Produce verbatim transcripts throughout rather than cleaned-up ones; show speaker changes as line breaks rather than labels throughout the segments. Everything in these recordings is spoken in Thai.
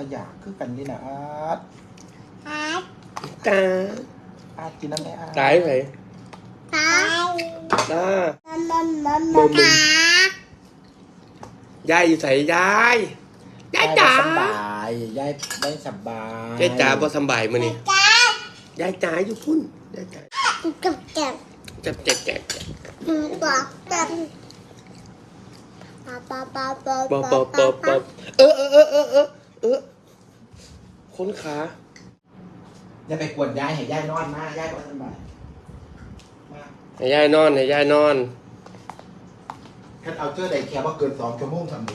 อยากคือกันนี่นะอาร์ต
อาร์ต
ตา
อาร์ตกินน้ำไหมอาร์ต
ตายไหน
ตา
ตา
มันมันมันตาย
ายอยู่ใส่ยายยาย
ยาย
จ๋า
สบายยายไม่สบาย
ยายจ๋าบ่สบายมื้อนี้
จ้าย
ายจ๋าอยู่พุ่นยายจ๋า
จับจับ
จับแจ๊กแจ๊ก
บอกจับป๊าป๊าป๊าป๊า
ป๊อปป๊อปป๊อปป๊อปเออเออเออเออเออเออคนขา
อย่าไปกวนยายให้ยายนอนมายายบ่สบายมา
ให้ยายนอนให้ยายนอน
คันเอาเจอได้แค่ว่าเกินสองชั่วโมงทำดี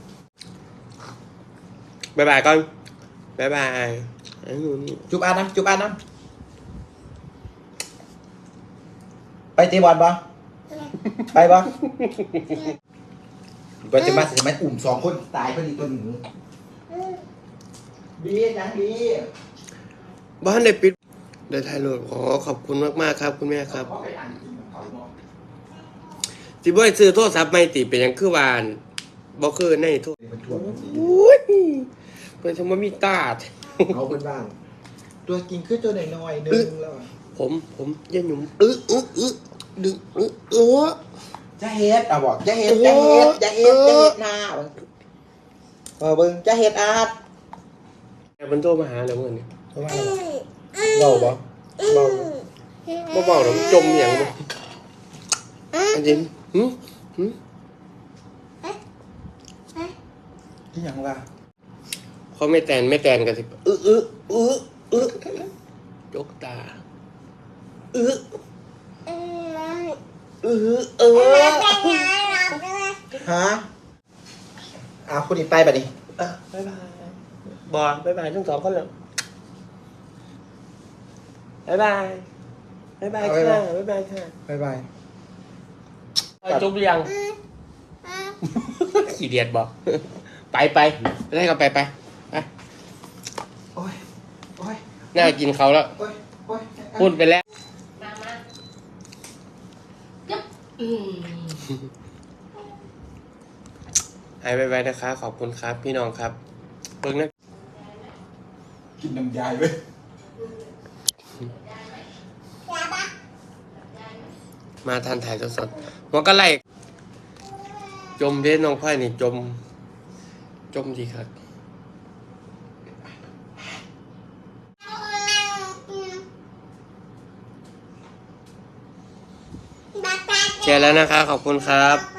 บ๊ายบายก่อนบ๊ายบายไอ้หนูนี่
จุบอาร์ตน้ำจุบอาร์ตน้ำไปตีบอลปะไปปะก็จะมาสิมันอุ่มสองคนตายพอดีตัวหนึ่งบีนะบี
บ้านได้ปิดเดี๋ยวถ่ายรูปขอขอบคุณมากๆครับคุณแม่ครับ
เขาไปอ่านเขาเนาะ
สิบ่ได้ซื้อโทรศัพท์ใหม่ติเป็นหยังคือวานบ่คือในโทร
มันทวงมันสิ
โอ้ยเพิ่นสมบ่มีตาด
เอาเป็นบ้างตัวกินคือตัวน้อยๆนึงแล้วอะ
ผมผมอย่าหยุ่มอึะอึะอึะดึงอึะเออ
จะเฮ็ดอ่ะบอกจะเฮ็ดจะเฮ็ดจะเฮ็ดจะเฮ็ดหน้าเออเบิ่งจะเฮ็ดอาร์ต
แม่มันโทรมาหาแล้วมื้อนี้
เพราะว่าเบาบ่เบา
บ่เว้าแล้วมันจมหยังบ่อันนี้หึหึ
ที่หยังวะ
เขาไม่แตนไม่แตนกันสิอึะอึะอึะอึะจกตาอึะอึะเออ
ฮะอ่ะคุณอีไปบัดนี้
อ่ะบ๊ายบายบอยบ๊ายบายทั้งสองคนเลยบ๊ายบายบ๊ายบายค่ะบ๊ายบายค่ะ
บ๊ายบาย
จุ๊บหรือยังขี้เดียดบอกไปไปไปได้ก็ไปไปไป
โอ้ยโอ้ย
น่ากินเขาแล้ว
โอ้ยโอ้ย
พูดไปแล้ว
มามาจึ๊บอืม
หายไปไปนะคะขอบคุณครับพี่น้องครับเพิ่งนะ
กินน้ำยายเว้ย
มาทานถ่ายสดๆหัวก็ไล่จมเด้น้องพ่อยนี่จม จมดีครับแชร์แล้วนะคะขอบคุณครับ